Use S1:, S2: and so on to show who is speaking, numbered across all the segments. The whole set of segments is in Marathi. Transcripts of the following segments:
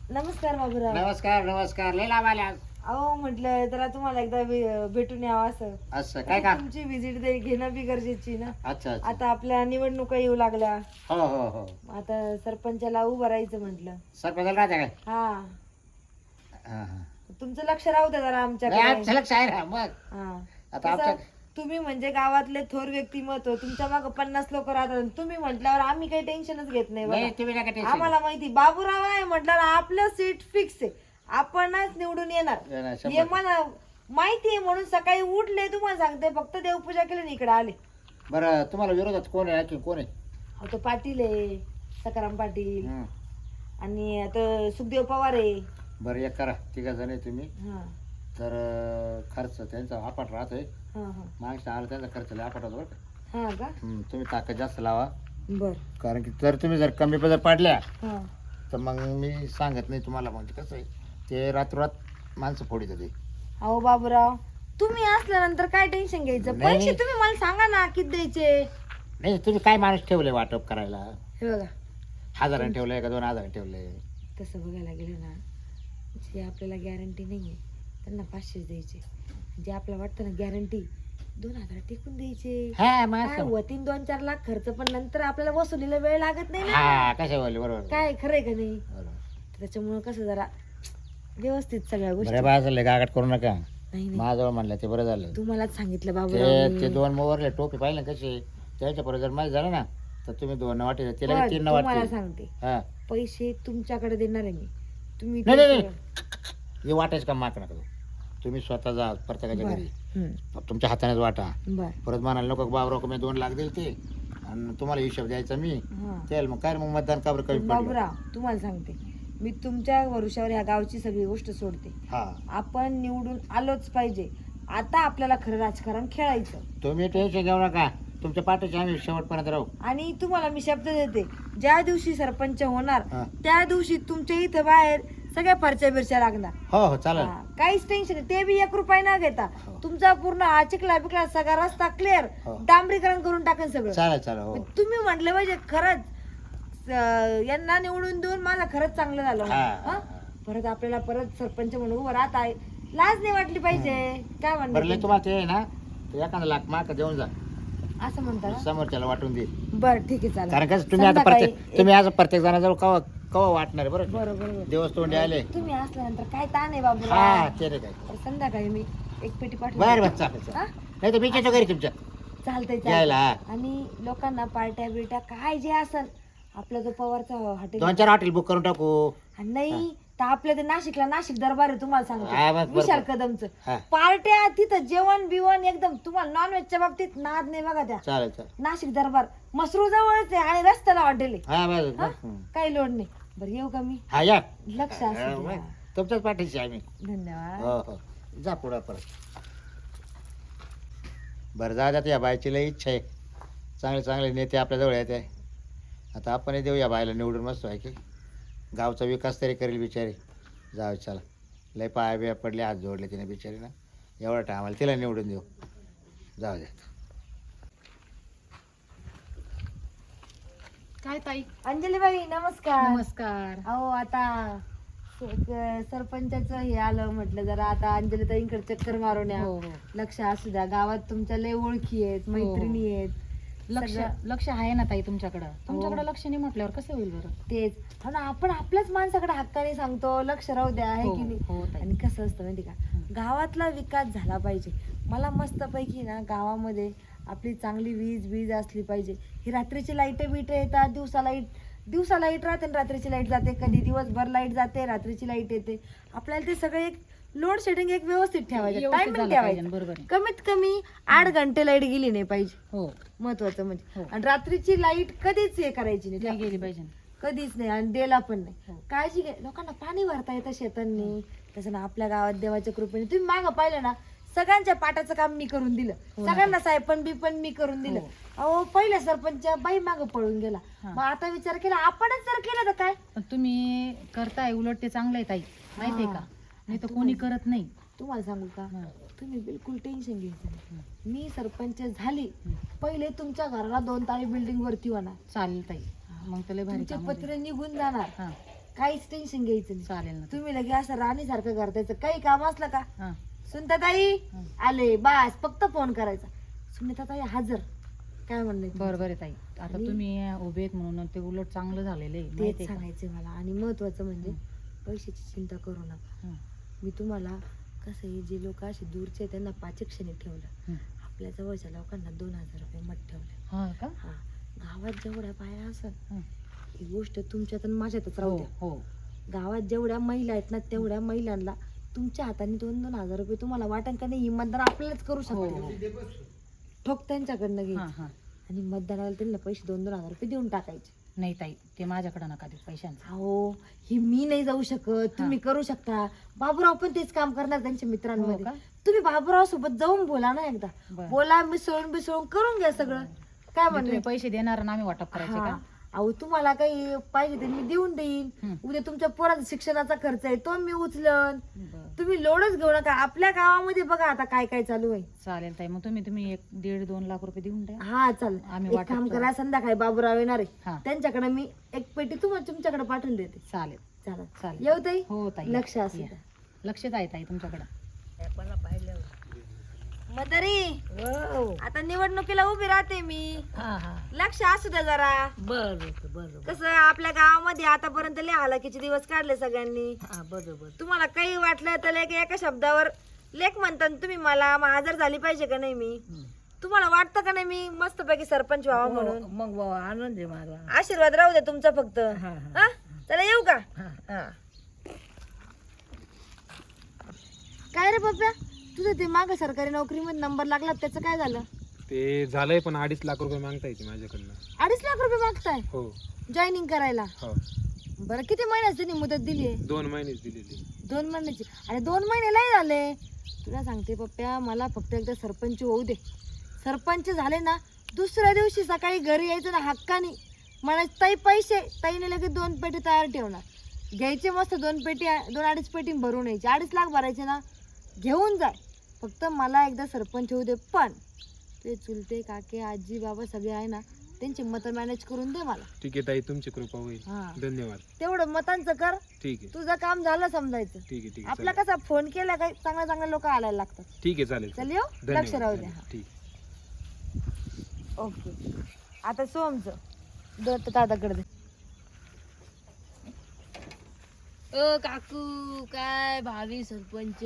S1: नमस्कार बाबूराव.
S2: नमस्कार नमस्कार लय लाभ आल्या.
S1: अहो म्हटलं जरा तुम्हाला एकदा भेटून यावं असं.
S2: असं काय का?
S1: तुमची व्हिजिट घेणं बी गरजेची ना.
S2: अच्छा अच्छा.
S1: आता आपल्या निवडणुका येऊ लागल्या.
S2: हो हो हो.
S1: आता सरपंचाला उभं राहायचं म्हटलं.
S2: सरपंचाला राहते काय?
S1: हा,
S2: हा हा.
S1: तुमचं लक्ष राहू द्या जरा
S2: नाही
S1: आमच्याकडे.
S2: आमचं लक्ष आहे ना मग.
S1: हा.
S2: आता
S1: कसं,
S2: आमच्या
S1: तुम्ही म्हणजे गावातले थोर व्यक्तिमत्व, तुमच्या मागे 50 लोक राहतात. तुम्ही म्हटल्यावर आम्ही काही टेन्शनच घेत नाही
S2: नाही
S1: बघा.
S2: तुम्ही नका टेन्शन
S1: आम्हाला माहिती बाबूराव आहे म्हटल्यावर आपलं सीट फिक्स आहे. आपणच निवडून येणार
S2: येणार,
S1: हे मला माहिती आहे. म्हणून सकाळी उठले तुम्हाला सांगते, फक्त देवपूजा केली आणि इकडे आले.
S2: बरं तुम्हाला विरोधात कोण आहे की कोण आहे?
S1: अहो, तो पाटील आहे, सकाराम पाटील,
S2: हं.
S1: आणि आता सुखदेव पवार आहे.
S2: बरं एक करा तिघा जण आहे तुम्ही.
S1: हा
S2: तर खर्च त्यांचा आपाट राहतोय.
S1: हा हा
S2: मागच्या आला त्यांचा खर्च लय आपाट होतो बरं का.
S1: हा का.
S2: तुम्ही ताकद जास्त लावा.
S1: बर.
S2: कारण की जर तुम्ही जर कमी जर पाडल्या
S1: हा
S2: तर मग मी सांगत नाही तुम्हाला. म्हणजे कसं आहे ते रातोरात माणसं फोडीत होते.
S1: अहो बाबूराव, तुम्ही असल्यानंतर काय टेन्शन घ्यायचं.
S2: नाही,
S1: पैसे
S2: नाही.
S1: तुम्ही मला सांगा ना किती द्यायचे.
S2: नाही तुम्ही काय माणूस ठेवले वाटप करायला?
S1: हे बघा,
S2: 1000 ठेवलंय का 2000 ठेवलंय?
S1: तसं बघायला गेलं ना, जे आपल्याला गॅरंटी नाहीये त्यांना 500 द्यायचे. जे आपल्याला वाटतं ना गॅरंटी, 2000 टिकून द्यायचे.
S2: हा मग
S1: काय होतीन 2-4 लाख खर्च, पण नंतर आपल्याला वसुलीला वेळ लागत नाही ना.
S2: हा कशा बोलले बरोबर.
S1: काय खरंय का नाही.
S2: बरोबर.
S1: त्याच्यामुळे कसं जरा व्यवस्थित सगळ्या गोष्टी.
S2: बरं बाजूला गागाट करू नका.
S1: नाही नाही,
S2: माझ्याजवळ म्हणलं ते बरं झालं.
S1: तुम्हालाच सांगितलं
S2: ते
S1: बाबूराव.
S2: ते 2 मोवरले टोपी पाहिले ना कसे, त्याच्या परत जर माहीत झालं ना तर तुम्ही 2 वाटे तिला 3
S1: तुम्हाला
S2: वाटते.
S1: सांगते,
S2: हा
S1: पैसे तुमच्याकडे देणार आहे मी. तुम्ही
S2: नाही
S1: ते
S2: नाही
S1: सगळं-
S2: हे वाटायचं काम माग नका करू. तुम्ही स्वतः जा प्रत्येकाच्या घरी,
S1: हम्म,
S2: तुमच्या हातानेच वाटा.
S1: बर.
S2: परत म्हणाल नको बाबराव मी 2 लाख देईल ते आणि तुम्हाला हिशोब द्यायचा मी.
S1: हा.
S2: त्याला मग काय मग मतदान का बरं कमी पडलं?
S1: बाबूराव, तुम्हाला सांगते, मी तुमच्या भरोश्यावर ह्या गावची सगळी गोष्ट सोडते.
S2: हा
S1: आपण निवडून आलोच पाहिजे. आता आपल्याला खरं राजकारण खेळायचं.
S2: तुम्ही टेन्शन घेऊ नका. तुमच्या पाठीशी आम्ही शेवटपर्यंत राहू.
S1: आणि तुम्हाला मी शब्द देते, ज्या दिवशी सरपंच होणार
S2: हा.
S1: त्या दिवशी तुमच्या इथं बाहेर सगळ्या फरच्या बिरच्या लागणार.
S2: हो हो चालेल.
S1: हा, काहीच टेन्शन नाही. ते बी 1 रुपया न घेता
S2: हो.
S1: तुमचा पूर्ण हा चिखला बिकला सगळा रस्ता क्लिअर,
S2: हो.
S1: डांबरीकरण करून टाकेन सगळं.
S2: चालेल चालेल हो.
S1: तुम्ही म्हटलं पाहिजे खरंच यांना निवडून देऊन माझं खरंच चांगलं झालं.
S2: हा,
S1: हा?
S2: हा.
S1: परत आपल्याला परत सरपंच म्हणून उभं राहत आहे, लाज नाही वाटली पाहिजे. काय
S2: बरं लय
S1: म्हणलं
S2: तुम्हाला ते आहे ना ते एखादा लाख माग देऊन जा,
S1: असं म्हणता ना.
S2: समोरच्याला वाटून दे.
S1: बर ठीक आहे, चालेल.
S2: कारण कसं तुम्ही आता
S1: संध्याकाळी
S2: प्रत्येक तुम्ही आज प्रत्येक जणाजवळ कवा कवा वाटणार बरं.
S1: बरोबर.
S2: दिवस तोंडी आले.
S1: तुम्ही असल्यानंतर काय ताण आहे
S2: हा
S1: बाबूराव.
S2: ते रे काय.
S1: तर संध्याकाळी मी एक पेटी
S2: बरं
S1: पाठवते.
S2: बरं चालेल चालेल.
S1: हा?
S2: नाही तर बीच घरी तुमच्या
S1: चालतंय
S2: यायला.
S1: चालतंय. आणि लोकांना पार्ट्या बिर्ट्या काय जे असेल, आपला जो पवारचा हॉटेल
S2: 2-4 हॉटेल बुक करून टाकू.
S1: नाही तर आपल्या ते नाशिकला नाशिक दरबार आहे, तुम्हाला
S2: हा,
S1: सांगतो
S2: बस
S1: विशाल
S2: बरोबर.
S1: कदमचं.
S2: हा
S1: पार्ट्या तिथं जेवण बिवण एकदम. तुम्हाला नॉनव्हेजच्या बाबतीत नाद नाही बघा. त्या
S2: चालेल चालेल.
S1: नाशिक दरबार मसरू जवळच आहे आणि रस्त्याला हॉटेल आहे.
S2: हा बस
S1: हा?
S2: बस.
S1: काही लोड नाही. बरं येऊ का मी.
S2: हा या.
S1: लक्ष
S2: हा,
S1: असू द्या.
S2: मग. तुमच्याच पाठीशी आम्ही.
S1: धन्यवाद.
S2: हो हो जा पुढं परत. बरं जा जात या बायची लई इच्छा आहे. चांगले चांगले नेते आपल्याजवळ येते. आता आपणही देऊ या बायला निवडून. मस्त आहे की गावचा विकास तरी करेल बिचारी. जाऊ चला. लय पाया बिया पडले, हात जोडले तिने बिचारी ना. एवढा टायमाला तिला निवडून देऊ. जाऊ द्या.
S3: काय ताई?
S1: अंजलीबाई नमस्कार.
S3: नमस्कार.
S1: अहो आता सरपंचाचं हे आलं म्हटलं जरा आता अंजलीताईंकडे चक्कर मारून या.
S3: हो हो.
S1: लक्ष असू द्या. गावात तुमच्या लय ओळखी आहेत, मैत्रिणी आहेत.
S3: लक्ष
S1: सगळं-
S3: लक्ष आहे ना ताई तुमच्याकडं. तुमच्याकडे लक्ष नाही म्हटल्यावर कसं होईल बरं?
S1: तेच हो ना, आपण आपल्याच माणसाकडे हक्काने सांगतो लक्ष राहू द्या, आहे
S3: हो,
S1: की नाही.
S3: हो ताई.
S1: आणि कसं असतं माहिती का, गावातला विकास झाला पाहिजे. मला मस्तपैकी ना गावामध्ये आपली चांगली वीज असली पाहिजे. ही रात्रीची लाईट बीट येतात, दिवसा लाईट राहते आणि रात्रीची लाईट जाते. कधी दिवसभर लाईट जाते, रात्रीची लाईट येते. आपल्याला ते सगळे एक लोड शेडिंग एक व्यवस्थित ठेवायचं,
S3: व्यवस्थित
S1: टायमिंग
S3: झालं पाहिजे,
S1: ठेवायचं.
S3: बरोबर आहे.
S1: कमीत कमी 8 घंटे लाईट गेली नाही पाहिजे,
S3: हो.
S1: महत्वाचं म्हणजे.
S3: हो.
S1: आणि रात्रीची लाईट कधीच हे करायची
S3: नाही
S1: नाही,
S3: गेली पाहिजे.
S1: कधीच नाही. आणि देला पण नाही.
S3: हो.
S1: काळजी घ्या. लोकांना पाणी भरता येतं शेतांनी. तसं ना आपल्या गावात देवाच्या कृपेने तुम्ही मागं पाहिलं ना, सगळ्यांच्या पाटाचं काम मी करून दिलं.
S3: हो ना.
S1: सगळ्यांना साहेबन बी पण मी करून दिलं.
S3: हो.
S1: अहो पहिल्या सरपंच बाई मागं पळून गेला.
S3: हा.
S1: मग आता विचार केला आपणच जर केलं तर काय.
S3: पण तुम्ही करताय उलट ते चांगलं आहे ताई, माहितीये
S1: हा.
S3: का? नाही तर कोणी करत नाही.
S1: तुम्हाला सांगू का,
S3: हा.
S1: तुम्ही बिलकुल टेन्शन घ्यायचं नाही. मी सरपंच झाली पहिले तुमच्या घराला 2 तारी बिल्डिंग वरती होणार.
S3: चालेल ताई. मग तर लय भारी
S1: तुमचे
S3: काम होईल.
S1: पत्रे निघून जाणार.
S3: हा.
S1: काहीच टेन्शन घ्यायचं नाही.
S3: चालेल ना.
S1: तुम्ही लगे असं राणीसारखं करतायचं. काही काम असलं का
S3: हा.
S1: सुनीताताई
S3: हं.
S1: आले बस फक्त फोन करायचा. सुनीताताई हजर. काय म्हणले
S3: बरोबर आहे ताई. आता तुम्ही उभे आहेत म्हणून ते उलट चांगलं झालेलं आहे,
S1: तेच
S3: माहितीये का?
S1: सांगायचं मला. आणि महत्वाचं म्हणजे पैशाची चिंता करू नका.
S3: हं.
S1: मी तुम्हाला कसं आहे, जे लोक असे दूरचे आहेत, त्यांना 5 क्षणी ठेवलं.
S3: हं.
S1: आपल्या जवळच्या लोकांना 2000 रुपये मत ठेवले.
S3: हा का?
S1: हा, गावात जेवढ्या बाया असत
S3: हं.
S1: ही गोष्ट तुमच्यात आणि माझ्यातच
S3: हो
S1: राहू द्या.
S3: हो.
S1: गावात जेवढ्या महिला आहेत ना तेवढ्या महिलांना तुमच्या हाताने 2-2 हजार रुपये तुम्हाला वाटण का नाही, ही मतदान आपल्यालाच करू
S3: हो,
S1: शकते.
S3: हो.
S1: ठोक त्यांच्याकडनं
S3: हा
S1: घ्यायची
S3: हा.
S1: आणि मतदानाला त्यांना पैसे 2-2 हजार रुपये देऊन टाकायचे.
S3: नाही ताई, ते माझ्याकडे नका देऊ पैशांचं.
S1: अहो, ही मी नाही जाऊ शकत, तुम्ही करू शकता. बाबूराव पण तेच काम करणार त्यांच्या
S3: हो
S1: मित्रांमध्ये.
S3: का?
S1: तुम्ही बाबूराव सोबत जाऊन बोला ना एकदा.
S3: बरं.
S1: बोला, मिसळून करून घ्या सगळं. काय
S3: म्हणजे
S1: म्हणले
S3: तुम्ही पैसे देणार आणि आम्ही वाटप करायचे
S1: हा.
S3: का?
S1: अहो, तुम्हाला काही पाहिजे ते मी देऊन देईन.
S3: हं.
S1: उद्या तुमच्या पोराचा शिक्षणाचा खर्च आहे तो मी उचलन.
S3: बरं.
S1: तुम्ही लोडच घेऊ नका. आपल्या गावामध्ये बघा आता काय काय चालू आहे.
S3: चालेल ताई, मग तुम्ही 1-1.5-2 लाख रुपये देऊन द्या.
S1: हा चाल,
S3: आम्ही
S1: एक
S3: वाटप
S1: काम
S3: करू.
S1: करा, संध्याकाळी बाबूराव येणार आहे.
S3: हा.
S1: त्यांच्याकडे मी एक पेटी तुमच्याकडे पाठवून देते.
S3: चालेल
S1: चालेल.
S3: चालेल.
S1: येऊ ताई.
S3: हो ताई.
S1: लक्ष असू
S3: या.
S1: द्या.
S3: लक्षच आहे ताई तुमच्याकडे.
S1: मदारी, आता निवडणुकीला उभी राहते मी. लक्ष असू द्या जरा.
S4: बरोबर
S1: कसं आपल्या गावामध्ये आतापर्यंत लय हालाकीचे दिवस काढले सगळ्यांनी.
S4: बरोबर
S1: तुम्हाला काही वाटलं तर एका शब्दावर लेख म्हणता ना तुम्ही. मला हजर झाली पाहिजे का नाही मी? तुम्हाला वाटतं का नाही मी मस्तपैकी सरपंच व्हावा म्हणून?
S4: मग बाबा आनंद आहे मला.
S1: आशीर्वाद राहू द्या तुमचा फक्त. हा? चला येऊ का?
S4: हा.
S1: काय रे पप्प्या, तुझं ते माग सरकारी नोकरीमध्ये नंबर लागला त्याचं काय झालं?
S5: ते झालंय पण 2.5 लाख रुपये मागता येते माझ्याकडनं.
S1: 2.5 लाख रुपये मागताय
S5: हो
S1: जॉईनिंग करायला?
S5: हो.
S1: बरं, किती महिन्याची त्यांनी मुदत दिली आहे?
S5: 2 महिनेच दिलेली.
S1: 2 महिन्याची. अरे 2 महिने लय झाले. तुला सांगते पप्प्या, मला फक्त एकदा सरपंच होऊ दे. सरपंच झाले ना, दुसऱ्या दिवशी सकाळी घरी यायचं ना हक्कानी म्हणायचं ताई पैसे. ताईने लगेच 2 पेटी तयार ठेवणार. घ्यायचे मस्त 2 पेटी 2-2.5 पेटी भरून यायची. 2.5 लाख भरायचे ना, घेऊन जाय. फक्त मला एकदा सरपंच होऊ दे. पण ते चुलते काके आजी बाबा सगळे आहे ना, त्यांची मतं मॅनेज करून दे मला.
S5: ठीक आहे ताई, तुमची कृपा होईल.
S1: हा.
S5: धन्यवाद.
S1: तेवढं मतांचं कर.
S5: ठीक आहे
S1: तुझं काम झालं समजायचं.
S5: ठीक आहे ठीक आहे
S1: आपला
S5: चालेल.
S1: कसा फोन केला काही चांगले लोक आलायला लागतात.
S5: ठीक आहे चालेल.
S1: चल येऊ.
S5: धन्यवाद,
S1: लक्ष राहू द्या.
S5: धन्यवाद. ठीक.
S1: ओके. आता सोमचं दत्त दादाकडे दे.
S4: ओ काकू, काय भावी सरपंच.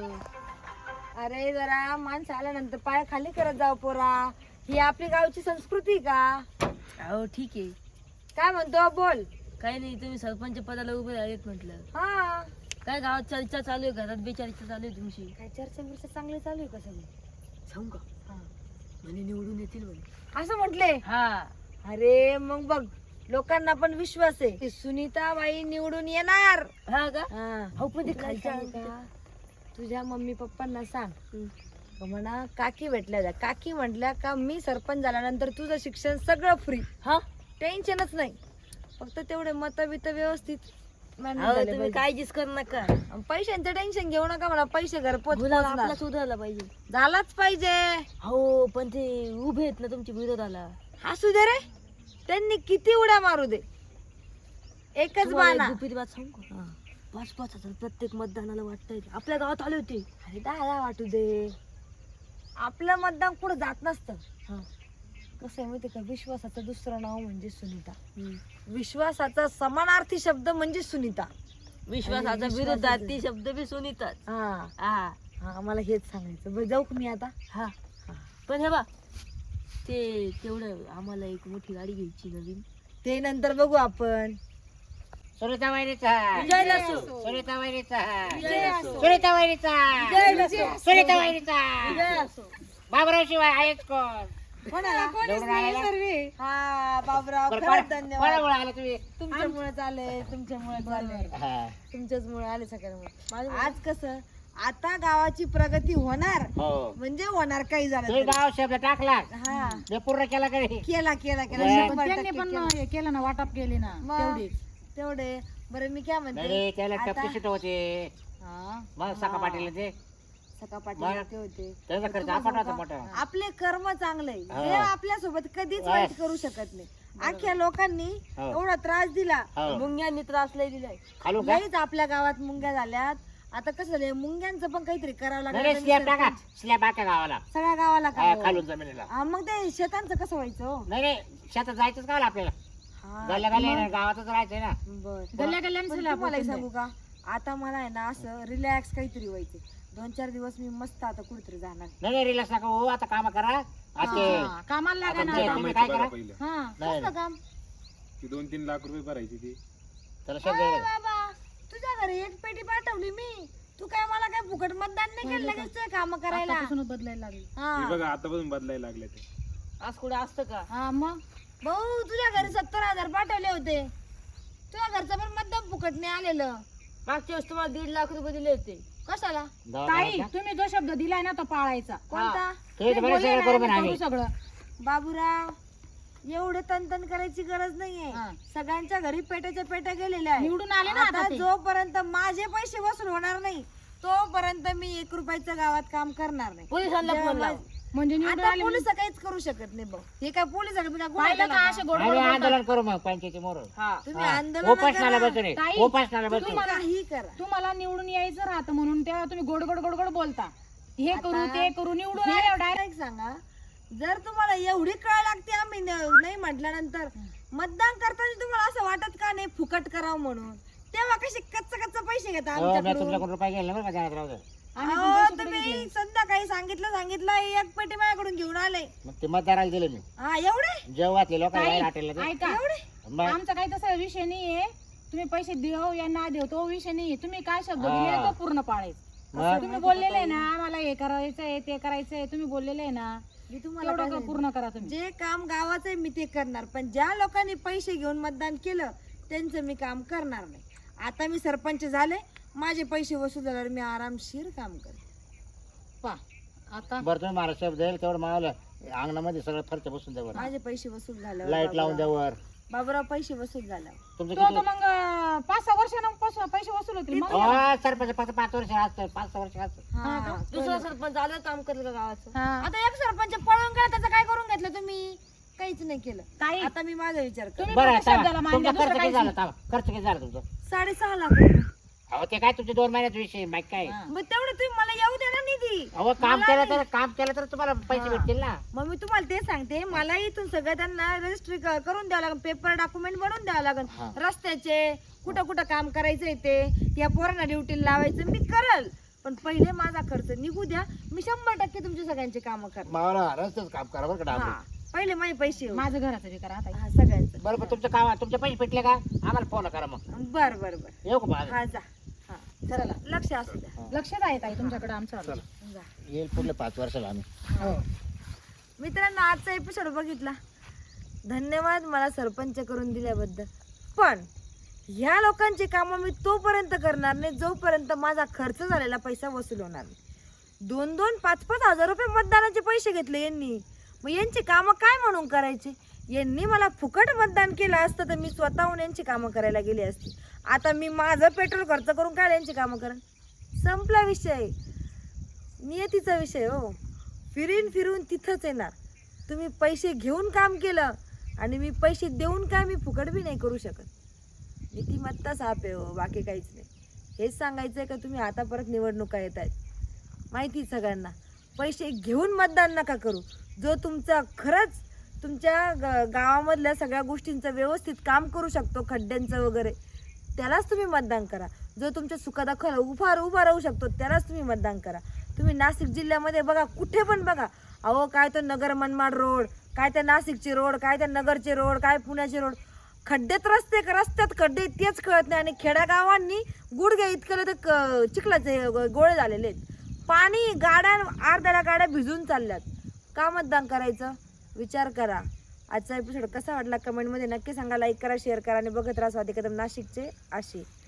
S1: अरे जरा माणसं आल्यानंतर पाय खाली करत जाऊ पोरा. ही आपली गावची संस्कृती का?
S4: हो ठीक आहे.
S1: काय म्हणतो बोल.
S4: काही नाही, तुम्ही सरपंच पदाला उभे राहिलेत म्हटलं.
S1: हा,
S4: काय गावात चर्चा चालू आहे, घरात बेचर्चा चालू आहे तुमची?
S1: काय चर्चा बिर्चा चांगली चालू आहे का सगळी?
S4: सांगू का?
S1: हा.
S4: म्हणे निवडून येतील म्हणे.
S1: असं म्हटले?
S4: हा.
S1: अरे मग बघ, लोकांना पण विश्वास आहे की सुनीताबाई निवडून येणार.
S4: हा का?
S1: हा.
S4: हो पण ते
S1: तुला
S4: खालच्या
S1: सांगू का? तुझ्या मम्मी पप्पांना सांग का म्हणा काकी भेटल्या जा. काकी म्हटल्या का मी सरपंच झाल्यानंतर तुझं शिक्षण सगळं फ्री.
S4: हा.
S1: टेन्शनच नाही. फक्त तेवढे मत बित व्यवस्थित manage
S4: अहो,
S1: झाले
S4: तुम्ही
S1: पाहिजे.
S4: काळजीच करू नका.
S1: आणि पैशांचं टेन्शन घेऊ नका म्हणा. पैसे घरपोच
S4: मुलाला
S1: पोचणार.
S4: आपला सुधारला पाहिजे.
S1: झालाच पाहिजे.
S4: हो पण ते उभे आहेत ना तुमच्या विरोधाला.
S1: असू दे रे, त्यांनी किती उड्या मारू दे, एकच
S4: तुम्हाला एक
S1: बाणा.
S4: गुपित बात सांगू का? 5-5 हजार प्रत्येक मतदानाला वाटताय. आपल्या गावात आले होते.
S1: अरे 10 वाटू दे. आपलं मतदान कुठं जात नसतं.
S4: हा.
S1: कसं आहे माहिती का, विश्वासाचं दुसरं नाव म्हणजे सुनीता. विश्वासाचा समानार्थी शब्द म्हणजे सुनीता.
S4: विश्वासाचा
S1: आणि
S4: विरोधार्थी शब्द बी सुनीताच.
S1: हा
S4: हा.
S1: हा, मला हेच सांगायचं. बरं जाऊ का मी आता?
S4: हा. पण हे बा, ते तेवढं आम्हाला एक मोठी गाडी घ्यायची नवीन.
S1: ते नंतर बघू आपण.
S2: सुनीता वहिनीचा.
S4: जय असो.
S2: सुनीता वहिनीचा.
S4: जय असो.
S2: सुनीता वहिनीचा.
S4: जय असो.
S2: सुनीता वहिनीचा.
S4: जय असो.
S2: बाबराव शिवाय आहेच कोण?
S1: कोणाला?
S2: निवडून आलेला?
S1: हा बाबराव,
S2: बरं,
S1: खरंच धन्यवाद.
S2: कोणामुळे आला तुम्ही?
S1: तुमच्यामुळे आले, तुमच्यामुळे आले,
S2: हा.
S1: तुमच्याच मुळे आले सगळ्यांमुळे. आज कसं, आता गावाची प्रगती होणार
S2: हो.
S1: म्हणजे होणार. काही झालं
S2: तुम्ही
S1: तरी.
S2: गाव शब्द टाकला
S1: हा,
S2: ते पूर्ण केला कधी?
S1: केला केला केला.
S2: बरं.
S1: 100%
S3: त्यांनी पण
S1: केला.
S3: हे केलं ना, वाटप केले ना
S1: मग.
S3: तेवढीच.
S1: तेवढे. बरं मी काय म्हणते,
S2: नाही त्याला
S1: आता-
S2: टप्पी सीट होते.
S3: हा.
S2: मग सका पाटील ते
S1: सका
S2: बरं.
S1: पाटील ते होते.
S2: त्याचा खर्च
S1: तुम्हाला
S2: आपण
S1: सांगू
S2: होता
S1: का?
S2: मोठा.
S1: आपले कर्म चांगले.
S2: हा.
S1: देव आपल्या सोबत कधीच
S2: बस.
S1: वाईट करू शकत नाही. अख्ख्या लोकांनी
S2: हो.
S1: एवढा त्रास दिला.
S2: हो.
S4: मुंग्यांनी त्रास लय दिलाय.
S2: खालून का
S1: लईच आपल्या गावात मुंग्या झाल्यात. आता कसं झालंय, मुंग्यांचं पण काहीतरी करावं
S2: नाही
S1: लागलं.
S2: स्लॅब टाका, स्लॅब टाका गावाला
S1: सगळ्या गावाला
S2: हा,
S1: का
S2: खालून जमिनीला.
S1: हा, मग ते शेतांचं कसं व्हायचं हो?
S2: नाही शेतात जायचंच गावाला आपल्याला.
S1: हा,
S2: गल्ल्या गल्ल्या गावातच राहायचंय ना.
S1: बर.
S3: गल्ल्या गल्ल्यानं
S1: पण
S3: सलाब
S1: तुम्हाला एक
S3: होते.
S1: सांगू का, आता मला आहे ना असं रिलॅक्स काहीतरी व्हायचं. 2-4 दिवस मी मस्त आता कुठेतरी जाणार.
S2: नाही रिलॅक्स नका हो, आता काम करा. ते
S3: हा, कामाला लागा ना
S2: तुमच्या
S3: आता.
S2: तुम्ही
S5: कामाची
S2: काय
S5: बघा
S2: करा?
S5: पहिलं.
S3: हा
S2: नाही
S1: कसलं काम?
S5: ती 2-3 लाख रुपये भरायची ती.
S2: त्याला शब्द
S1: अरे
S2: येईल.
S1: बाबा, तुझ्या घरी एक पेटी पाठवली मी. तू काय मला काय फुकट मतदान नाही केलं लगेच काम करायला?
S3: आतापासूनच बदलायला लागली.
S1: हा.
S5: हे बघा आतापासून बदलायला लागले ते.
S4: आज कुठे असतं का?
S3: हा मग
S1: भाऊ, तुझ्या घरी 70,000 पाठवले होते. तुझ्या घरचं पण मतदान फुकट नाही आलेलं.
S4: मागच्या वेळेस तुम्हाला 1.5 लाख रुपये दिले होते.
S1: कशाला?
S3: ताई तुम्ही जो शब्द दिलाय ना तो पाळायचा.
S1: कोणता?
S2: ते तर बरं सगळं करू म्हणा
S3: करू
S2: आम्ही.
S3: सगळं.
S1: बाबूराव, एवढे तनतन करायची गरज नाहीये.
S3: हा.
S1: सगळ्यांच्या घरी पेट्याच्या पेट्या गेलेल्या आहेत.
S3: निवडून आले ना आता
S1: आता
S3: ते.
S1: जोपर्यंत माझे पैसे वसूल होणार नाही तोपर्यंत मी 1 रुपयाचं गावात काम करणार नाही.
S4: पोलिसांना
S1: जेव्हा
S4: फोन लाव.
S1: माझ-
S3: म्हणजे निवडून
S1: आता
S3: आले
S1: पोलीस काहीच करू शकत नाही भाऊ. हे काय पोलीस
S3: पाहिलं का असे गोड गोड
S2: आम्ही
S3: बोलतात.
S2: आंदोलन करू मग पंचायती मोर.
S4: हा.
S1: तुम्ही
S2: हा.
S1: आंदोलन
S2: उपोषणाला
S1: करा.
S2: बसू नये.
S3: ताई,
S2: उपोषणाला बसू.
S3: तुम्हाला-
S1: काही करा.
S3: तुम्हाला निवडून यायचं राहतं म्हणून तेव्हा तुम्ही गोड गोड गोड गोड बोलता. हे करू
S1: आता
S3: ते करू निवडून
S1: हे
S3: आल्यावर डायरेक्ट
S1: direct सांगा, जर तुम्हाला एवढी कळ लागते आम्ही नाही म्हटल्यानंतर मतदान करताना तुम्हाला असं वाटत का नाही फुकट करावं म्हणून? तेव्हा कसे कच्च पैसे घेता
S2: हो, मी
S1: आमच्याकडून?
S2: तुमच्याकडून रुपये गेले ना बरं का ध्यानात राहू दे.
S3: आम्ही पण
S1: अहो,
S3: पैसे कुठे
S1: तुम्ही
S3: घेतले?
S1: संध्याकाळी सांगितलं एक पेटी माझ्याकडून घेऊन आले.
S2: मग ते मतदाराला दिले मी.
S1: हा, एवढे
S2: जेव्हातले लोक
S3: ताई,
S2: हॉटेलला ते.
S3: ऐका
S2: मग
S3: आमचा काही तसा विषय नाहीये. तुम्ही पैसे देऊ या ना देऊ तो विषय नाहीये. तुम्ही काय शब्द
S2: हा.
S3: दिले तो पूर्ण पाळायचा.
S2: मग
S3: तुम्ही बोललेले आहे ना आम्हाला हे करायचंय ते करायचंय. तुम्ही बोललेले आहे ना
S1: मी तुम्हाला काय
S3: तेवढं
S1: सांगितलं?
S3: पूर्ण करा तुम्ही.
S1: जे काम गावाचं आहे मी ते करणार, पण ज्या लोकांनी पैसे घेऊन मतदान केलं त्यांचं मी काम करणार नाही. आता मी सरपंच झाले, माझे पैसे वसूल झाल्यावर मी आरामशीर काम करेन.
S3: पा आता
S2: बरं तुम्ही मला शब्द येईल तेवढं मावलं अंगणामध्ये सगळं फरच्या बसून द्यावर.
S1: माझे पैसे वसूल झाल्यावर
S2: लाईट लावून द्यावर.
S1: बाबूराव पैसे वसूल झाल्यावर
S2: तुमचं
S3: तो तर
S2: किती?
S3: मग 5-6 वर्षांपासून पैसे वसूल होतील मग.
S2: हो, सरपंच फक्त 5 वर्ष असतं, 5-6 वर्ष असतं.
S1: हा,
S3: का?
S4: दुसरा सरपंच आलं काम करलं का गावाचं?
S3: हा.
S1: आता एक सरपंच पळून गेला, त्याचं काय करून घेतलं तुम्ही? काहीच नाही केलं.
S3: ताई
S1: आता मी माझा विचार कर.
S3: तुम्ही
S2: बरं
S3: फक्त शब्दाला मान
S2: तुमचा
S3: द्या, दुसरं
S2: खर्च किती
S3: काहीच
S2: झाला?
S3: नाही.
S2: थांबा. खर्च किती झाला तुमचा?
S1: 6.5 लाख रुपये.
S2: अहो ते काय तुमचे 2 महिन्याचा विषय बाईक काय?
S3: हा.
S1: मग तेवढं तुम्ही मला येऊ द्या ना निधी.
S2: अहो काम केलं तर तुम्हाला पैसे भेटतील ना.
S1: मग मी तुम्हाला ते सांगते, मला इथून सगळं त्यांना रजिस्ट्री करून द्यावं लागेल, पेपर डॉक्युमेंट बनवून द्यावं लागेल.
S2: हा.
S1: रस्त्याचे कुठं कुठं काम करायचंय ते, या पोरांना ड्युटीला लावायचं मी करल, पण पहिले माझा खर्च निघू द्या. मी 100% तुमच्या सगळ्यांचे काम करणार.
S2: मावळा रस्त्याच काम करा बरं का
S1: हा,
S2: डाबे.
S1: पहिले माझे पैसे येऊ.
S3: माझं घराचं बी करा आता.
S1: हा, सगळ्यांचं.
S2: बरं पण तुमचं काम तुमचे पैसे भेटले का आम्हाला फोन करा मग.
S1: बर बर बर.
S2: येऊ का माझं?
S1: हा, जा. हा, चला, लक्ष असू द्या.
S3: लक्षात आहे ताई तुमच्याकडे आमचं आलं.
S1: जा.
S2: येईल पुढले 5 वर्षाला आम्ही.
S3: हो.
S1: मित्रांनो, आजचा एपिसोड बघितला, धन्यवाद मला सरपंच करून दिल्याबद्दल. पण ह्या लोकांची कामं मी तोपर्यंत करणार नाही जोपर्यंत माझा खर्च झालेला पैसा वसूल होणार नाही. 2-2, 5-5 हजार रुपये मतदानाचे पैसे घेतले यांनी. मग यांची कामं काय म्हणून करायची? यांनी मला फुकट मतदान केलं असतं तर मी स्वतःहून यांची कामं करायला गेली असती. आता मी माझं पेट्रोल खर्च करून काय यांची कामं करेन? संपला विषय, नियतीचा विषय. हो, फिरून तिथंच येणार. तुम्ही पैसे घेऊन काम केलं आणि मी पैसे देऊन काय मी फुकट बी नाही करू शकत. नीतिमत्ता साप आहे हो, बाकी काहीच नाही. हेच सांगायचं आहे का तुम्ही आता परत निवडणुका येत आहेत, माहिती सगळ्यांना. पैसे घेऊन मतदान नका करू. जो तुमचा खरंच तुमच्या गावामधल्या सगळ्या गोष्टींचं व्यवस्थित काम करू शकतो, खड्ड्यांचं वगैरे, त्यालाच तुम्ही मतदान करा. जो तुमच्या सुखादाखल उभा राहू शकतो त्यालाच तुम्ही मतदान करा. तुम्ही नाशिक जिल्ह्यामध्ये बघा, कुठे पण बघा, अहो काय तर नगर मनमाड रोड, काय त्या नाशिकचे रोड, काय त्या नगरचे रोड, काय पुण्याचे रोड, खड्ड्यात रस्त्यात खड्डे तेच कळत नाही. आणि खेड्यागावांनी गुडघ्या इतकं तर चिखलाचे गोळे झालेले आहेत. पाणी, गाड्या अर्ध्याला गाड्या भिजून चालल्यात. का मतदान करायचं? विचार करा. आजचा एपिसोड कसा वाटला कमेंटमध्ये नक्की सांगा. लाईक करा, शेअर करा आणि बघत राहा स्वाती कदम नाशिकचे आशी.